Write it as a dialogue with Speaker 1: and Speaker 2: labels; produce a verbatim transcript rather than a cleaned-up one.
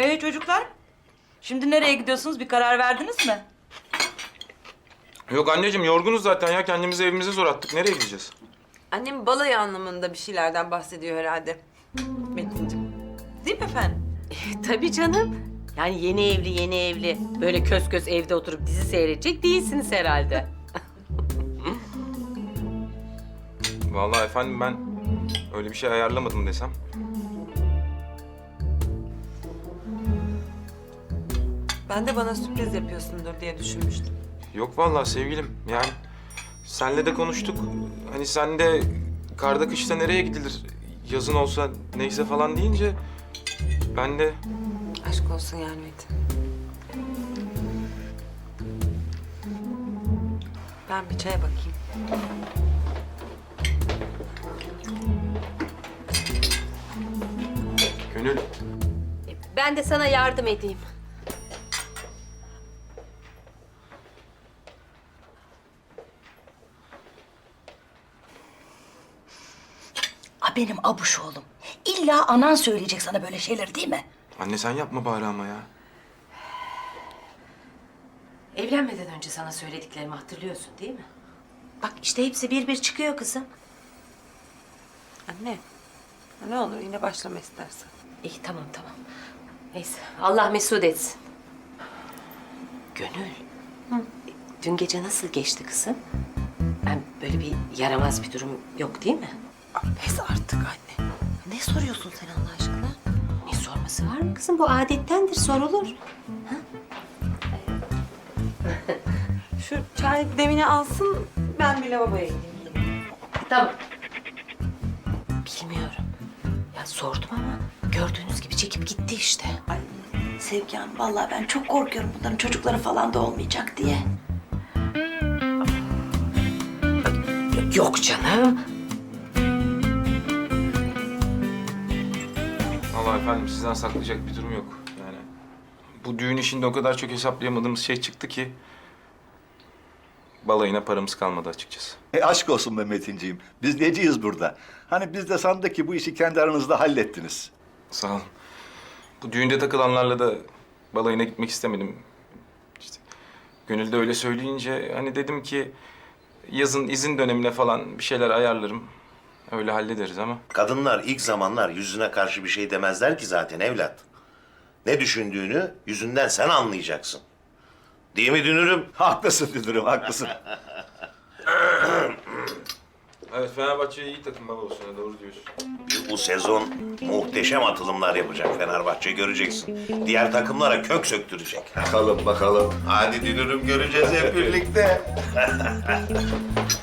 Speaker 1: Ee çocuklar, şimdi nereye gidiyorsunuz? Bir karar verdiniz mi?
Speaker 2: Yok anneciğim, yorgunuz zaten ya. Kendimizi evimize zor attık. Nereye gideceğiz?
Speaker 3: Annem balayı anlamında bir şeylerden bahsediyor herhalde. Metinciğim. Değil mi efendim?
Speaker 4: Tabii canım. Yani yeni evli yeni evli böyle kös kös evde oturup dizi seyredecek değilsiniz herhalde.
Speaker 2: Vallahi efendim ben öyle bir şey ayarlamadım desem.
Speaker 3: Ben de bana sürpriz yapıyorsundur diye düşünmüştüm.
Speaker 2: Yok vallahi sevgilim. Yani senle de konuştuk. Hani sen de karda kışta nereye gidilir? Yazın olsa neyse falan deyince ben de
Speaker 3: Aşk olsun yani Metin. Ben bir çaya bakayım.
Speaker 2: Gönül.
Speaker 4: Ben de sana yardım edeyim.
Speaker 5: A benim abuş oğlum. İlla anan söyleyecek sana böyle şeyler değil mi?
Speaker 2: Anne sen yapma bari ama ya.
Speaker 4: Evlenmeden önce sana söylediklerimi hatırlıyorsun değil mi?
Speaker 5: Bak işte hepsi bir bir çıkıyor kızım.
Speaker 3: Anne. Ne olur yine başlama istersen.
Speaker 4: İyi tamam tamam. Neyse Allah mesut etsin. Gönül. Dün gece nasıl geçti kızım? Ben böyle bir yaramaz bir durum yok değil mi?
Speaker 3: Pes artık anne.
Speaker 4: Ne soruyorsun sen Allah aşkına? Ne sorması var mı kızım? Bu adettendir, sorulur.
Speaker 3: Şu çay demini alsın, ben bir lavaboya gideyim.
Speaker 4: Tamam. Bilmiyorum. Ya sordum ama gördüğünüz gibi çekip gitti işte.
Speaker 5: Ay Sevgi Hanım vallahi ben çok korkuyorum bunların çocukları falan da olmayacak diye.
Speaker 4: Yok canım.
Speaker 2: Vallahi efendim sizden saklayacak bir durum yok. Yani bu düğün işinde o kadar çok hesaplayamadığımız şey çıktı ki balayına paramız kalmadı açıkçası.
Speaker 6: E aşk olsun be Metinciğim. Biz neciyiz burada? Hani biz de sandık ki bu işi kendi aranızda hallettiniz.
Speaker 2: Sağ olun. Bu düğünde takılanlarla da balayına gitmek istemedim. İşte Gönül de öyle söyleyince hani dedim ki yazın izin dönemine falan bir şeyler ayarlarım. Öyle hallederiz ama.
Speaker 7: Kadınlar ilk zamanlar yüzüne karşı bir şey demezler ki zaten evlat. Ne düşündüğünü yüzünden sen anlayacaksın. Değil mi Dünürüm?
Speaker 6: Haklısın Dünürüm, haklısın.
Speaker 2: Evet Fenerbahçe iyi takım babalosuna doğru diyorsun.
Speaker 7: Bu sezon muhteşem atılımlar yapacak Fenerbahçe, göreceksin. Diğer takımlara kök söktürecek.
Speaker 6: Bakalım, bakalım.
Speaker 7: Hadi Dünürüm, göreceğiz hep birlikte.